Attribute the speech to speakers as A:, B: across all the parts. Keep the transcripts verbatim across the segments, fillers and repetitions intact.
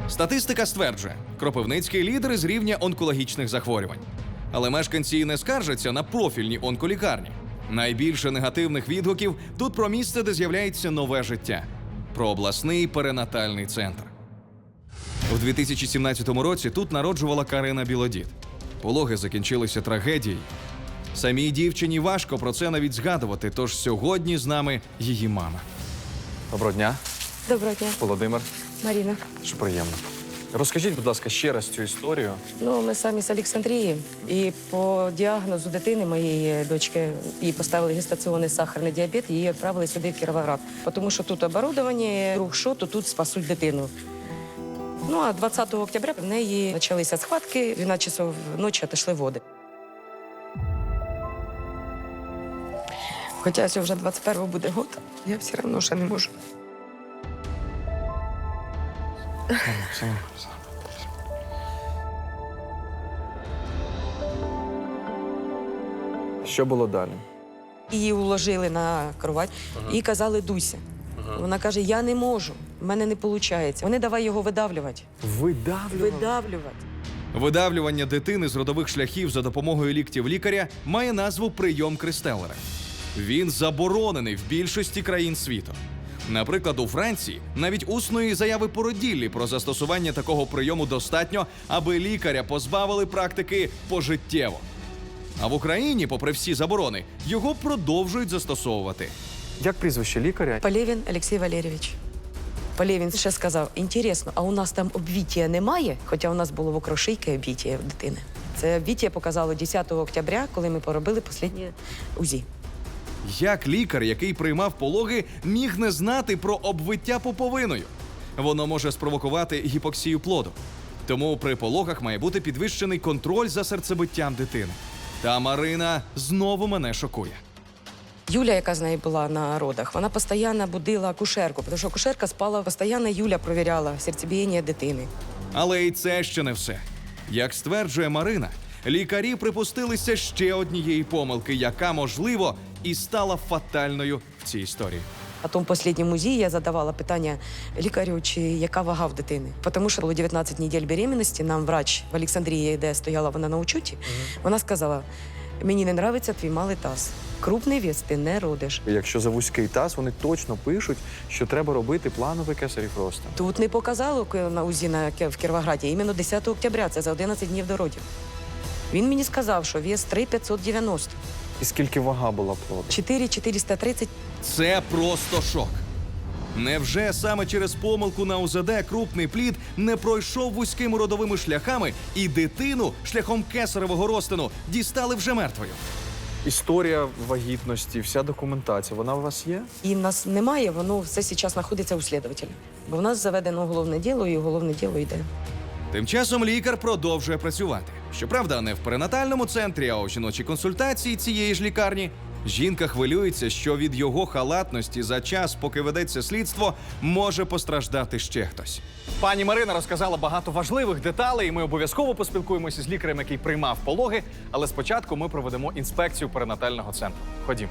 A: Статистика стверджує, Кропивницький лідер з рівня онкологічних захворювань. Але мешканці не скаржаться на профільні онколікарні. Найбільше негативних відгуків тут про місце, де з'являється нове життя. Про обласний перинатальний центр. У дві тисячі сімнадцятому році тут народжувала Карина Білодід. Пологи закінчилися трагедією. Самій дівчині важко про це навіть згадувати, тож сьогодні з нами її мама.
B: Доброго дня,
C: Доброго дня,
B: Володимир.
C: Марина.
B: Що приємно. Розкажіть, будь ласка, ще раз цю історію.
C: Ну, ми самі з Олександрії. І по діагнозу дитини, моєї дочки, їй поставили гестаціонний сахарний діабет, і її відправили сюди, в Кіровоград. Тому що тут оборудовання, рух що, то тут спасуть дитину. Ну, а двадцятого октября в неї почалися схватки, дванадцять часов ночі отошли води. Хоча ось вже двадцять першого буде год, я все одно ще не можу.
B: Що було далі?
C: Її уложили на кровать і казали «дуйся». Вона каже, я не можу, в мене не виходить. Вони давай його видавлювати.
B: Видавлювали?
C: Видавлювати.
A: Видавлювання дитини з родових шляхів за допомогою ліктів лікаря має назву прийом Кристеллера. Він заборонений в більшості країн світу. Наприклад, у Франції навіть усної заяви породіллі про застосування такого прийому достатньо, аби лікаря позбавили практики пожиттєво. А в Україні, попри всі заборони, його продовжують застосовувати.
B: Як прізвище лікаря?
C: Полєвін Олексій Валерійович. Полєвін ще сказав, інтересно, а у нас там обвіття немає? Хоча у нас було в окрошийки обвіття в дитини. Це обвіття показало десятого октября, коли ми поробили останнє УЗІ.
A: Як лікар, який приймав пологи, міг не знати про обвиття пуповиною? Воно може спровокувати гіпоксію плоду. Тому при пологах має бути підвищений контроль за серцебиттям дитини. Та Марина знову мене шокує.
C: Юля, яка з нею була на родах, вона постійно будила акушерку, тому що акушерка спала, постійно Юля провіряла серцебієння дитини.
A: Але і це ще не все. Як стверджує Марина, лікарі припустилися ще однієї помилки, яка, можливо, і стала фатальною в цій історії.
C: А тому в останньому УЗІ я задавала питання лікарю, чи яка вага в дитини. Тому що було дев'ятнадцять неділь беременності, нам врач в Олександрії, де стояла вона на учуті, вона сказала, мені не подобається твій малий таз. Крупний вес ти не родиш.
B: Якщо за вузький таз, вони точно пишуть, що треба робити плановий кесарів розтин.
C: Тут не показали на УЗІ на, в Кіровограді, іменно десятого октября, це за одинадцять днів до родів. Він мені сказав, що вес три п'ятсот дев'яносто.
B: І скільки вага була плоду?
C: чотири чотириста тридцять.
A: Це просто шок. Невже саме через помилку на УЗД крупний плід не пройшов вузькими родовими шляхами і дитину шляхом кесаревого розтину дістали вже мертвою?
B: Історія вагітності, вся документація, вона у вас є?
C: І в нас немає, воно все зараз знаходиться у слідователя. Бо в нас заведено уголовне діло, і уголовне діло йде.
A: Тим часом лікар продовжує працювати. Щоправда, не в перинатальному центрі, а у жіночій консультації цієї ж лікарні. Жінка хвилюється, що від його халатності за час, поки ведеться слідство, може постраждати ще хтось.
D: Пані Марина розказала багато важливих деталей, і ми обов'язково поспілкуємося з лікарем, який приймав пологи. Але спочатку ми проведемо інспекцію перинатального центру. Ходімо.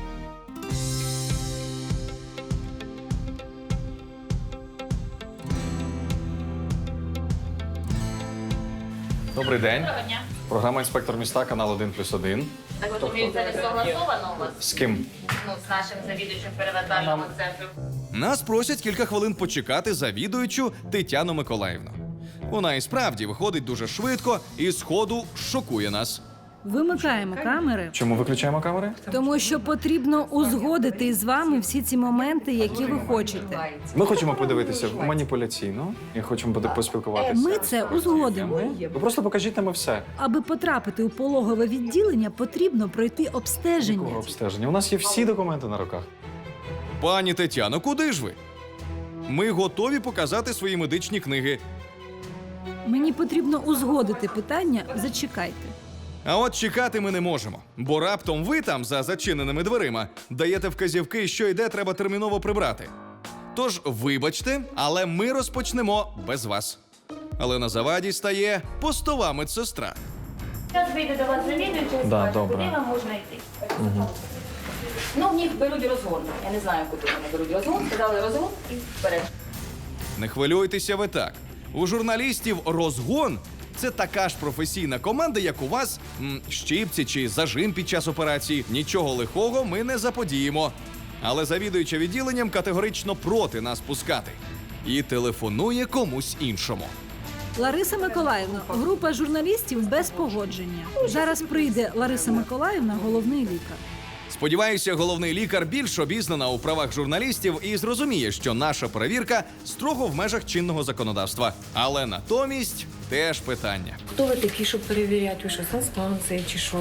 D: Добрий день.
E: Доброго дня.
D: Програма «Інспектор міста», канал один плюс один.
E: Так ви думаєте, це не согласовано у вас?
D: З ким?
E: Ну, з нашим завідувачем перинатального центру.
A: Нас просять кілька хвилин почекати завідуючу Тетяну Миколаївну. Вона і справді виходить дуже швидко і сходу шокує нас.
F: Вимикаємо камери,
D: Чому виключаємо камери?
F: тому що потрібно узгодити із вами всі ці моменти, які ви хочете.
D: Ми хочемо подивитися маніпуляційно і хочемо буде поспілкуватися.
F: Ми це узгодимо.
D: Ви просто покажіть нам і все.
F: Аби потрапити у пологове відділення, потрібно пройти
D: Якого
F: обстеження.
D: обстеження? У нас є всі документи на руках.
A: Пані Тетяно, куди ж ви? Ми готові показати свої медичні книги.
F: Мені потрібно узгодити питання. Зачекайте.
A: А от чекати ми не можемо, бо раптом ви там, за зачиненими дверима, даєте вказівки, що йде, треба терміново прибрати. Тож, вибачте, але ми розпочнемо без вас. Але на заваді стає постова медсестра.
E: Зараз вийде до вас завідуючий,
D: Да,
E: скаже,
D: добре.
E: куди вам можна йти. Ну, в них беруть розгон. Я не знаю, куди вони беруть розгон. Сказали розгон і вперед.
A: Не хвилюйтеся ви так. У журналістів розгон це така ж професійна команда, як у вас м, щипці чи зажим під час операції. Нічого лихого ми не заподіємо. Але завідуюча відділенням категорично проти нас пускати. І телефонує комусь іншому.
F: Лариса Миколаївна, група журналістів без погодження. Зараз прийде Лариса Миколаївна, головний лікар.
A: Сподіваюся, головний лікар більш обізнана у правах журналістів і зрозуміє, що наша перевірка строго в межах чинного законодавства. Але натомість теж питання.
C: Хто ви такі, щоб перевіряти? Ви що, санстанція чи що?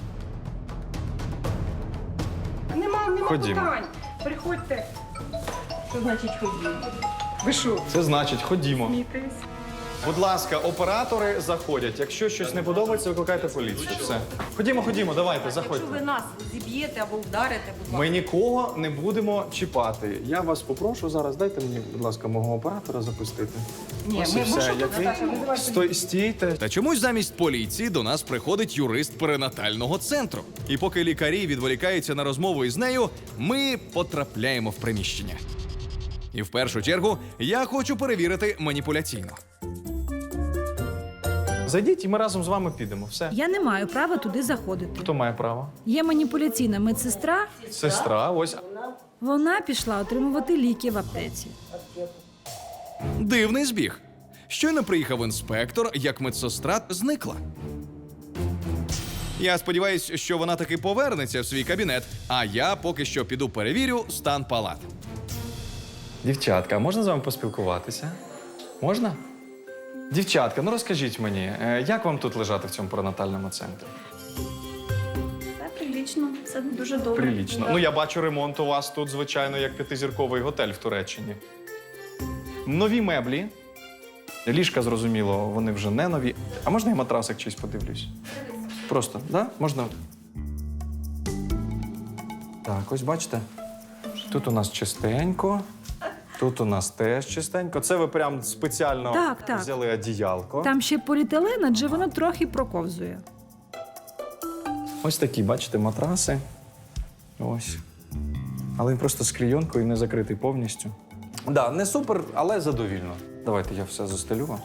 E: Нема, нема
D: Ходімо.
E: питань. Приходьте. Що значить ходімо? Ви що,
D: Це значить, ходімо.
E: смієтесь?
D: Будь ласка, оператори заходять. Якщо щось не подобається, викликайте поліцію. Все. Ходімо, ходімо, давайте, заходьте.
C: нас зіб'єте або вдарите, будь
D: Ми нікого не будемо чіпати. Я вас попрошу зараз, дайте мені, будь ласка, мого оператора запустити.
C: Ні,
D: Ось
C: ми
D: і все. Який? Стой, стійте.
A: Та чомусь замість поліції до нас приходить юрист перинатального центру. І поки лікарі відволікаються на розмову із нею, ми потрапляємо в приміщення. І в першу чергу я хочу перевірити маніпуляційно.
D: Зайдіть і ми разом з вами підемо. Все.
F: Я не маю права туди заходити.
D: Хто має право?
F: Є маніпуляційна медсестра.
D: Сестра, ось.
F: Вона пішла отримувати ліки в аптеці.
A: Дивний збіг. Щойно приїхав інспектор, як медсестра зникла. Я сподіваюся, що вона таки повернеться в свій кабінет, а я поки що піду перевірю стан палат.
D: Дівчатка, а можна з вами поспілкуватися? Можна? Дівчатка, ну розкажіть мені, е, як вам тут лежати в цьому перинатальному центрі?
E: Все прилічно, все дуже добре.
D: Прилічно. Ну, я бачу, ремонт у вас тут, звичайно, як п'ятизірковий готель в Туреччині. Нові меблі. Ліжка, зрозуміло, вони вже не нові. А можна я матрасик чийсь подивлюсь? Просто, да? Можна? Так, ось бачите? Тут у нас чистенько. Тут у нас теж чистенько. Це ви прям спеціально
F: Так, так.
D: взяли одіялко.
F: Там ще поліетилен, адже воно трохи проковзує.
D: Ось такі, бачите, матраси. Ось. Але він просто з клійонкою не закритий повністю. Так, да, не супер, але задовільно. Давайте я все застелю вам.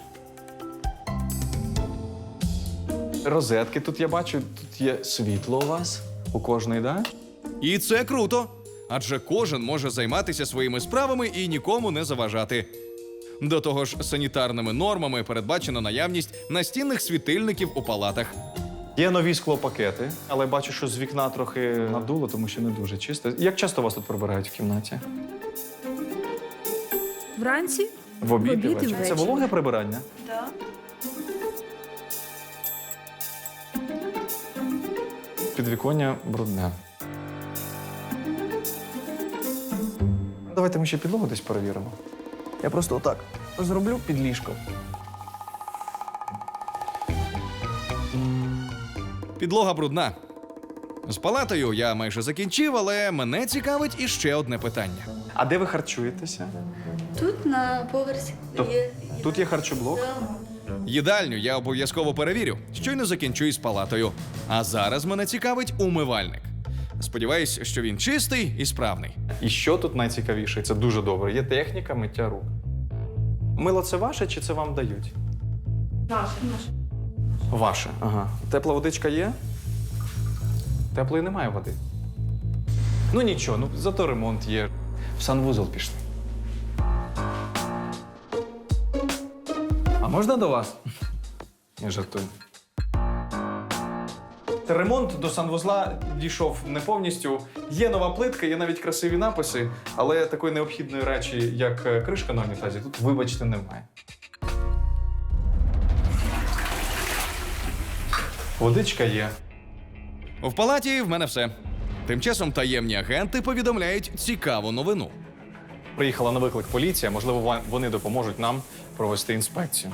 D: Розетки тут я бачу, тут є світло у вас. У кожної, так? Да?
A: І це круто, адже кожен може займатися своїми справами і нікому не заважати. До того ж, санітарними нормами передбачена наявність настінних світильників у палатах.
D: Є нові склопакети, але бачу, що з вікна трохи надуло, тому що не дуже чисто. Як часто вас тут прибирають в кімнаті?
F: Вранці
D: В обід,
F: В обід і
D: і ввечері. Це
F: ввечері.
D: вологе прибирання?
E: Так.
D: Підвіконня брудне. Давайте ми ще підлогу десь перевіримо. Я просто отак зроблю під ліжком.
A: Підлога брудна. З палатою я майже закінчив, але мене цікавить іще одне питання.
D: А де ви харчуєтеся?
G: Тут на поверсі
D: Тоб-
G: є.
D: Тут є харчоблок.
A: Їдальню я обов'язково перевірю, щойно закінчу із палатою. А зараз мене цікавить умивальник. Сподіваюсь, що він чистий і справний.
D: І що тут найцікавіше? Це дуже добре. Є техніка миття рук. Мило це ваше чи це вам дають?
E: Наше, наше.
D: Ваше. Ага. Тепла водичка є? Теплої немає води. Ну нічого, ну зато ремонт є. В санвузол пішли. А можна до вас? Я жартую. Ремонт до санвузла дійшов не повністю. Є нова плитка, є навіть красиві написи, але такої необхідної речі, як е, кришка на унітазі, тут, вибачте, немає. Водичка є.
A: В палаті в мене все. Тим часом таємні агенти повідомляють цікаву новину.
D: Приїхала на виклик поліція, можливо, ва- вони допоможуть нам провести інспекцію.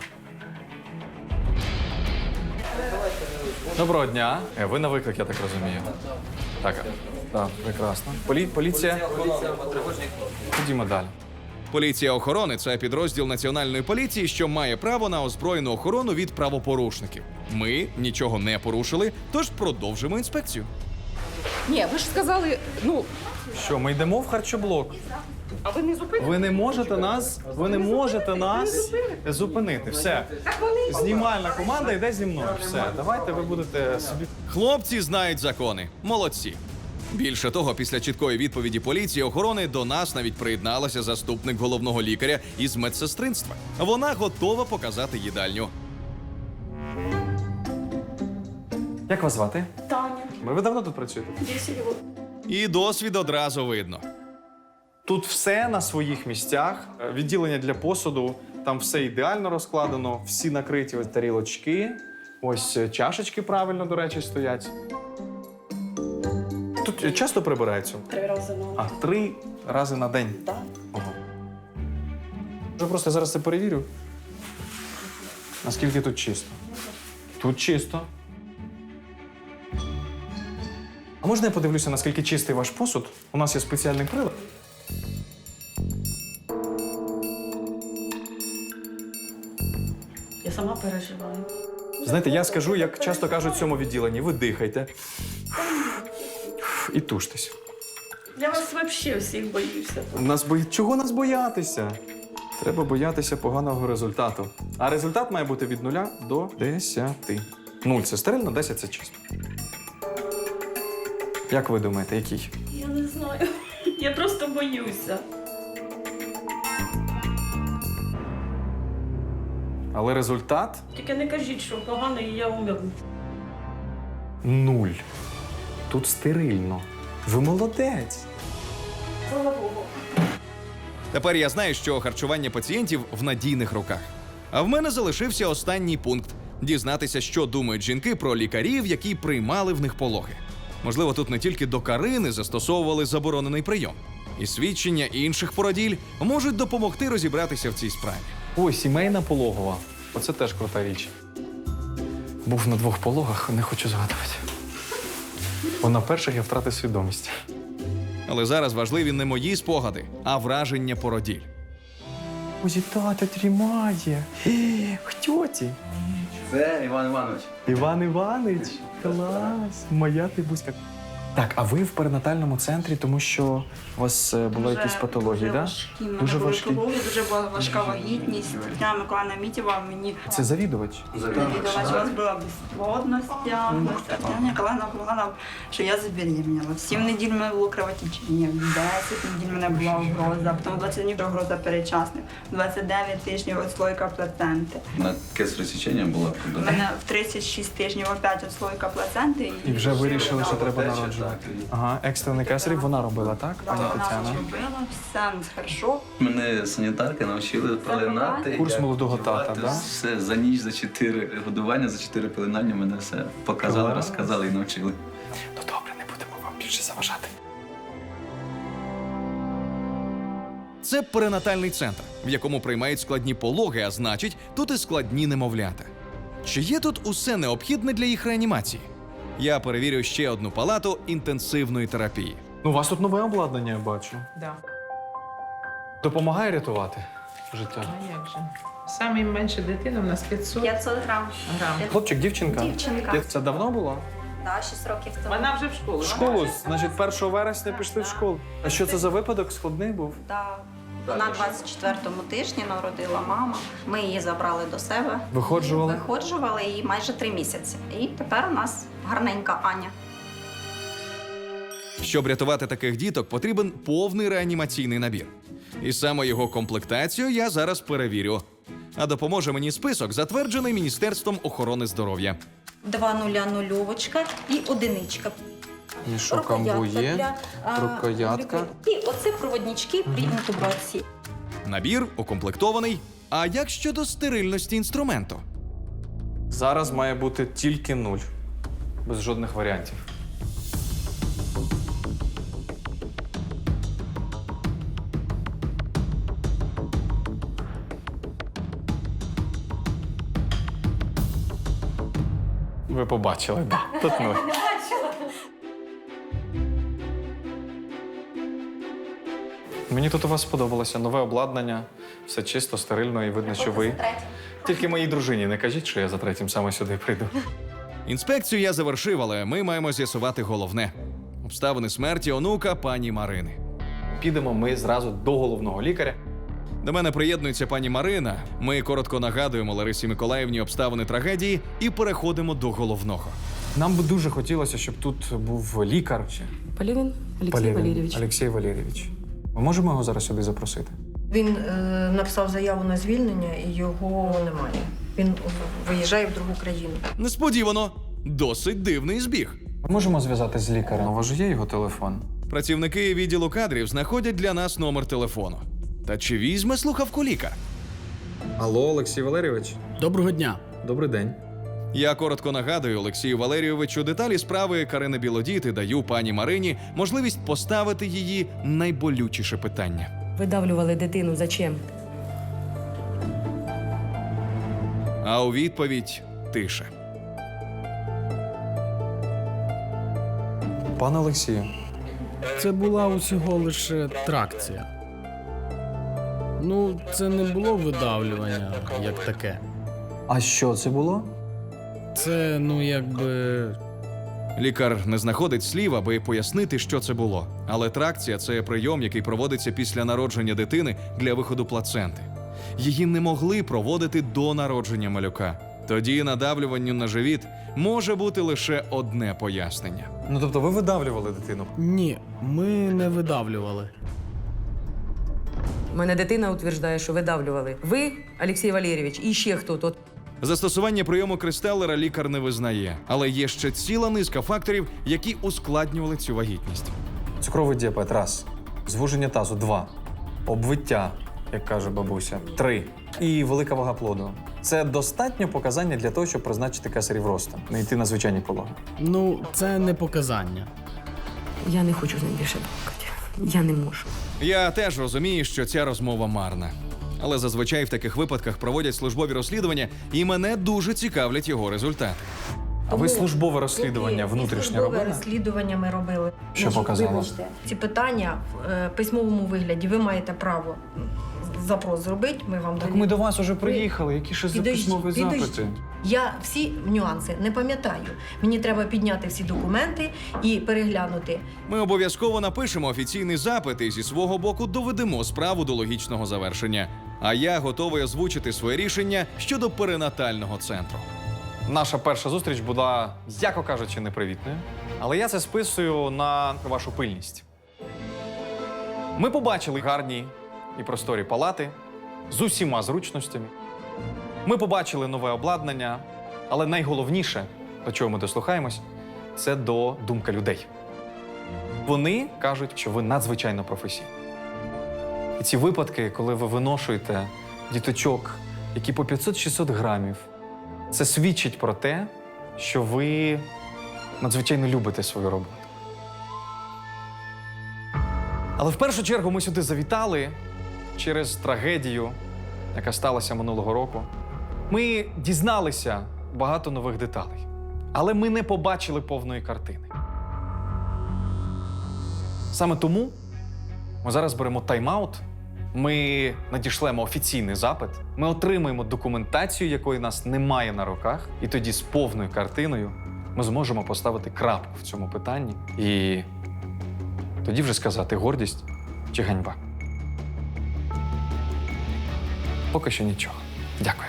D: Доброго дня. Е, Ви на виклик, я так розумію. Так, е, так, прекрасно. Полі... Поліція. Ходімо далі.
A: Поліція охорони це підрозділ національної поліції, що має право на озброєну охорону від правопорушників. Ми нічого не порушили, тож продовжимо інспекцію.
C: Ні, ви ж сказали, ну,
D: Що, ми йдемо в харчоблок?
C: А ви не зупините?
D: Ви не можете нас, ви не можете нас зупинити. Все. Знімальна команда йде зі мною. Все, давайте ви будете собі.
A: Хлопці знають закони. Молодці. Більше того, після чіткої відповіді поліції охорони до нас навіть приєдналася заступник головного лікаря із медсестринства. Вона готова показати їдальню.
B: Як вас звати?
G: Таня.
B: Ви давно тут працюєте?
G: десять років.
A: І досвід одразу видно.
D: Тут все на своїх місцях. Відділення для посуду, там все ідеально розкладено, всі накриті ось тарілочки. Ось чашечки правильно, до речі, стоять. Тут часто прибирається?
G: Три рази на
D: А, три рази на день.
G: Так.
D: Ого. Я просто зараз це перевірю. Наскільки тут чисто? Тут чисто. А можна я подивлюся, наскільки чистий ваш посуд? У нас є спеціальний прилад.
G: Я сама переживаю.
D: Знаєте, я скажу, як часто кажуть в цьому відділенні, ви дихайте. І туштесь.
G: Я вас взагалі всіх боюся.
D: Нас бої... Чого нас боятися? Треба боятися поганого результату. А результат має бути від нуля до десяти. Нуль – це стерильно, десять – це чисто. Як ви думаєте, який?
G: Я не знаю. Я просто боюся.
D: Але результат
G: Тільки не кажіть, що погано і я умеру.
D: нуль. Тут стерильно. Ви молодець.
G: Слава Богу.
A: Тепер я знаю, що харчування пацієнтів в надійних руках. А в мене залишився останній пункт – дізнатися, що думають жінки про лікарів, які приймали в них пологи. Можливо, тут не тільки до Карини застосовували заборонений прийом. І свідчення інших породіль можуть допомогти розібратися в цій справі.
D: Ой, сімейна пологова. Оце теж крута річ. Був на двох пологах, не хочу згадувати. Бо на перших я втратив свідомість.
A: Але зараз важливі не мої спогади, а враження породіль.
B: Ой, тата тримає. Хто ті?
H: Це Іван Іванович.
B: Іван Іванович. Клас. Моя ти бузька. Так, а ви в перинатальному центрі, тому що у вас е, були якісь патології, так?
I: У мене
B: Дуже
I: були
B: важкі.
I: пологи, дуже була важка вагітність. Тетяна Миколаївна Мітєва мені
B: Це завідувач.
I: довідала, що у вас була безплодність, діагноз. Тетяна Миколаївна сказала, що я забеременіла. В сім неділь в мене було кровотечення, в десять неділь в мене була угроза, потім в двадцять днів угроза передчасних, в двадцять дев'ять тижнів отслойка плаценти.
H: На кесаре сечення була.
I: У мене в тридцять шість тижнів опять отслойка плаценти.
B: І вже вирішили, що треба
H: Тече,
B: народжувати.
H: так.
B: Ага, екстрений кесарів вона робила, так, пані
I: Вона
B: Тетяна?
I: зробила, все хорошо.
H: Мене санітарки навчили пеленати.
B: Курс
H: як
B: молодого тата,
H: готувати.
B: да?
H: Все, за ніч, за чотири годування, за чотири пеленання мене все показали,
B: Клас.
H: розказали і навчили.
B: Ну добре, не будемо вам більше заважати.
A: Це перинатальний центр, в якому приймають складні пологи, а значить, тут і складні немовлята. Чи є тут усе необхідне для їх реанімації? Я перевірю ще одну палату інтенсивної терапії.
D: Ну, у вас тут нове обладнання, я бачу.
J: Да.
D: Допомагає рятувати життя.
J: А як же? Саме менше дитина в нас п'ятсот
G: п'ятсот грам.
J: грам.
D: Хлопчик, дівчинка?
G: Дівчинка.
D: Як Це давно було?
G: Да, шість років тому.
J: Вона вже в школу.
D: В школу, значить, першого вересня пішли в школу. А що це за випадок? Складний був?
G: Да. Вона двадцять четвертому тижні народила мама. Ми її забрали до себе.
D: Виходжували?
G: Виходжували її майже три місяці. І тепер у нас гарненька Аня.
A: Щоб рятувати таких діток, потрібен повний реанімаційний набір. І саме його комплектацію я зараз перевірю. А допоможе мені список, затверджений Міністерством охорони здоров'я.
G: Два нуля нульовочка і одиничка.
B: Мішок амбує,
G: для, а,
B: рукоятка.
G: І оце проводнички при інтубації.
A: Набір укомплектований. А як щодо стерильності інструменту?
D: Зараз має бути тільки нуль. Без жодних варіантів. Ви побачили, да. Тут нуль. Мені тут у вас сподобалося. Нове обладнання, все чисто, стерильно і видно, що ви. Тільки моїй дружині не кажіть, що я за третім саме сюди прийду.
A: Інспекцію я завершив, але ми маємо з'ясувати головне – обставини смерті онука пані Марини.
D: підемо ми зразу до головного лікаря.
A: До мене приєднується пані Марина. Ми коротко нагадуємо Ларисі Миколаївні обставини трагедії і переходимо до головного.
B: Нам би дуже хотілося, щоб тут був лікар. Чи
C: Полівін Олексій
B: Полєвін
C: Валерійович.
B: Олексій Валерійович. Ми можемо його зараз сюди запросити?
E: Він е, написав заяву на звільнення і його немає. Він виїжджає в другу країну.
A: Несподівано, досить дивний збіг.
B: Ми можемо зв'язатися з лікарем. У вас же є його телефон?
A: Працівники відділу кадрів знаходять для нас номер телефону. Та чи візьме слухавку лікар?
B: Алло, Олексій Валерійович.
K: Доброго дня.
B: Добрий день.
A: Я коротко нагадую Олексію Валерійовичу деталі справи Карини Білодіт і даю пані Марині можливість поставити її найболючіше питання.
C: Видавлювали дитину. Зачем?
A: А у відповідь тиша.
B: Пане Олексію,
K: Це була усього лише тракція. Ну, це не було видавлювання як таке.
B: а що це було?
K: Це, ну, якби.
A: Лікар не знаходить слів, аби пояснити, що це було. Але тракція – це прийом, який проводиться після народження дитини для виходу плаценти. Її не могли проводити до народження малюка. Тоді надавлюванню на живіт може бути лише одне пояснення.
B: Ну тобто ви видавлювали дитину?
K: Ні, ми не видавлювали.
C: У мене дитина утверждає, що видавлювали. Ви, Олексій Валерійович, і ще хто-то.
A: Застосування прийому Кристеллера лікар не визнає, але є ще ціла низка факторів, які ускладнювали цю вагітність.
B: Цукровий діабет – раз. Звуження тазу – два. Обвиття, як каже бабуся – три. І велика вага плоду. Це достатньо показання для того, щоб призначити кесарів росту, не йти на звичайні пологи.
K: Ну, це не показання.
C: Я не хочу з ним більше балакати. Я не можу.
A: Я теж розумію, що ця розмова марна. Але зазвичай в таких випадках проводять службові розслідування, і мене дуже цікавлять його результати.
B: А ви службове розслідування внутрішнє
E: Службове
B: робили?
E: розслідування ми робили.
B: Що
E: Значить,
B: показало?
E: Вибачте, ці питання в е, письмовому вигляді ви маєте право запрос зробити, ми вам
B: Так ми до вас уже приїхали. Які ще
E: Підождіть,
B: письмові
E: підождіть.
B: запити?
E: Я всі нюанси не пам'ятаю. Мені треба підняти всі документи і переглянути.
A: Ми обов'язково напишемо офіційний запит і зі свого боку доведемо справу до логічного завершення. А я готовий озвучити своє рішення щодо перинатального центру.
D: Наша перша зустріч була, яко кажучи, непривітною. Але я це списую на вашу пильність. Ми побачили гарні і просторі палати з усіма зручностями. Ми побачили нове обладнання, але найголовніше, до чого ми дослухаємось, це до думки людей. Вони кажуть, що ви надзвичайно професійні. І ці випадки, коли ви виношуєте діточок, які по п'ятсот-шістсот грамів, це свідчить про те, що ви надзвичайно любите свою роботу. Але в першу чергу ми сюди завітали через трагедію, яка сталася минулого року. Ми дізналися багато нових деталей, але ми не побачили повної картини. Саме тому ми зараз беремо тайм-аут, ми надішлемо офіційний запит, ми отримаємо документацію, якої нас немає на руках, і тоді з повною картиною ми зможемо поставити крапку в цьому питанні і тоді вже сказати, гордість чи ганьба. Поки що нічого. Дякую.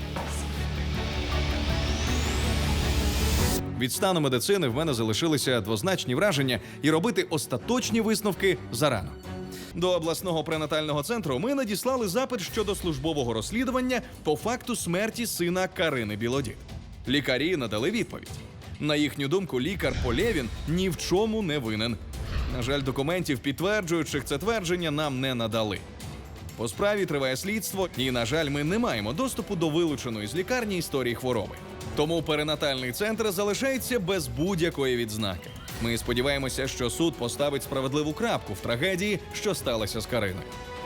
A: Від стану медицини в мене залишилися двозначні враження, і робити остаточні висновки зарано. До обласного пренатального центру ми надіслали запит щодо службового розслідування по факту смерті сина Карини Білодіт. Лікарі надали відповідь. На їхню думку, лікар Полєвін ні в чому не винен. На жаль, документів, підтверджуючих це твердження, нам не надали. По справі триває слідство, і, на жаль, ми не маємо доступу до вилученої з лікарні історії хвороби. Тому перинатальний центр залишається без будь-якої відзнаки. Ми сподіваємося, що суд поставить справедливу крапку в трагедії, що сталося з Кариною.